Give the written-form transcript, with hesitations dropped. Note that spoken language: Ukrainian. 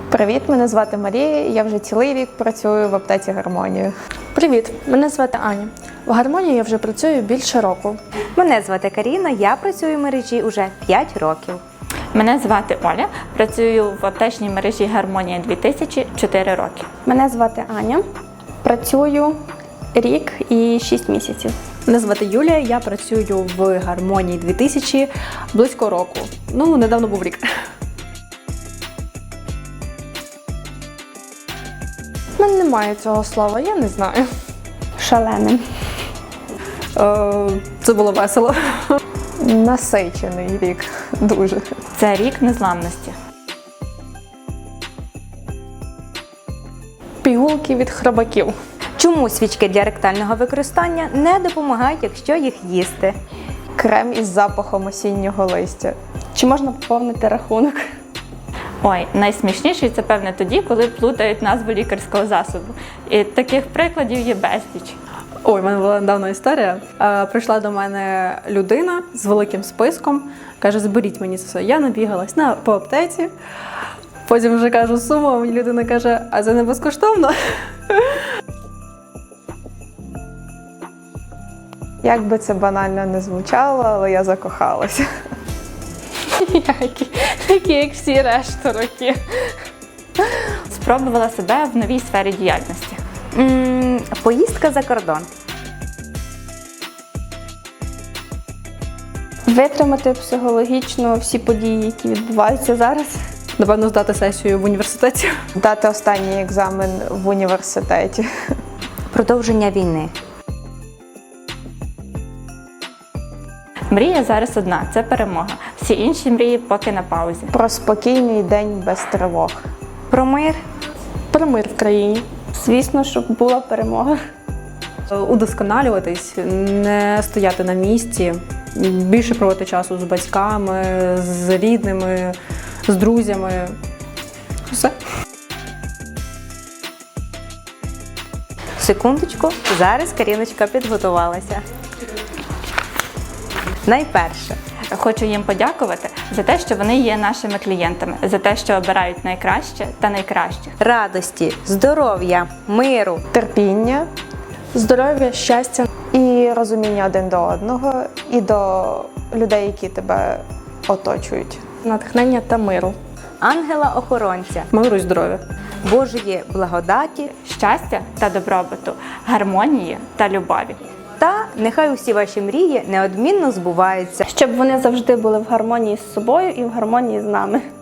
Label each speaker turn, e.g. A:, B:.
A: Привіт, мене звати Марія, я вже цілий рік працюю в аптеці «Гармонія».
B: Привіт, мене звати Аня. В «Гармонії» я вже працюю більше року.
C: Мене звати Каріна, я працюю в мережі уже 5 років.
D: Мене звати Оля, працюю в аптечній мережі «Гармонія 2000» 4 роки.
E: Мене звати Аня, працюю рік і 6 місяців.
F: Мене звати Юлія, я працюю в «Гармонії 2000» близько року. Недавно був рік.
B: У мене немає цього слова, я не знаю.
E: Шаленим.
F: Це було весело.
A: Насичений рік, дуже.
D: Це рік незламності.
B: Пігулки від хробаків.
C: Чому свічки для ректального використання не допомагають, якщо їх їсти?
A: Крем із запахом осіннього листя.
E: Чи можна поповнити рахунок?
D: Ой, найсмішніше це, певне, тоді, коли плутають назву лікарського засобу. І таких прикладів є безліч.
F: Ой, в мене була недавно історія. Прийшла до мене людина з великим списком, каже, зберіть мені це все. Я набігалась по аптеці, потім вже кажу суму, а мені людина каже, а це не безкоштовно?
A: Як би це банально не звучало, але я закохалася.
B: Такі, як всі решта роки.
D: Спробувала себе в новій сфері діяльності.
C: Поїздка за кордон.
E: Витримати психологічно всі події, які відбуваються зараз.
F: Напевно, здати сесію в університеті.
A: Дати останній екзамен в університеті.
C: Продовження війни.
D: Мрія зараз одна – це перемога. Всі інші мрії поки на паузі.
A: Про спокійний день без тривог.
C: Про мир.
B: Про мир в країні.
E: Звісно, щоб була перемога.
F: Удосконалюватись, не стояти на місці, більше проводити часу з батьками, з рідними, з друзями. Все.
C: Секундочку, зараз Каріночка підготувалася. Найперше.
D: Хочу їм подякувати за те, що вони є нашими клієнтами, за те, що обирають найкраще та найкращих.
C: Радості, здоров'я, миру.
A: Терпіння
B: Здоров'я, щастя.
A: і розуміння один до одного, і до людей, які тебе оточують.
B: Натхнення та миру.
C: Ангела-охоронця.
F: Миру і здоров'я.
C: Божої благодаті.
D: Щастя та добробуту, гармонії та любові.
C: Та нехай усі ваші мрії неодмінно збуваються.
E: Щоб вони завжди були в гармонії з собою і в гармонії з нами.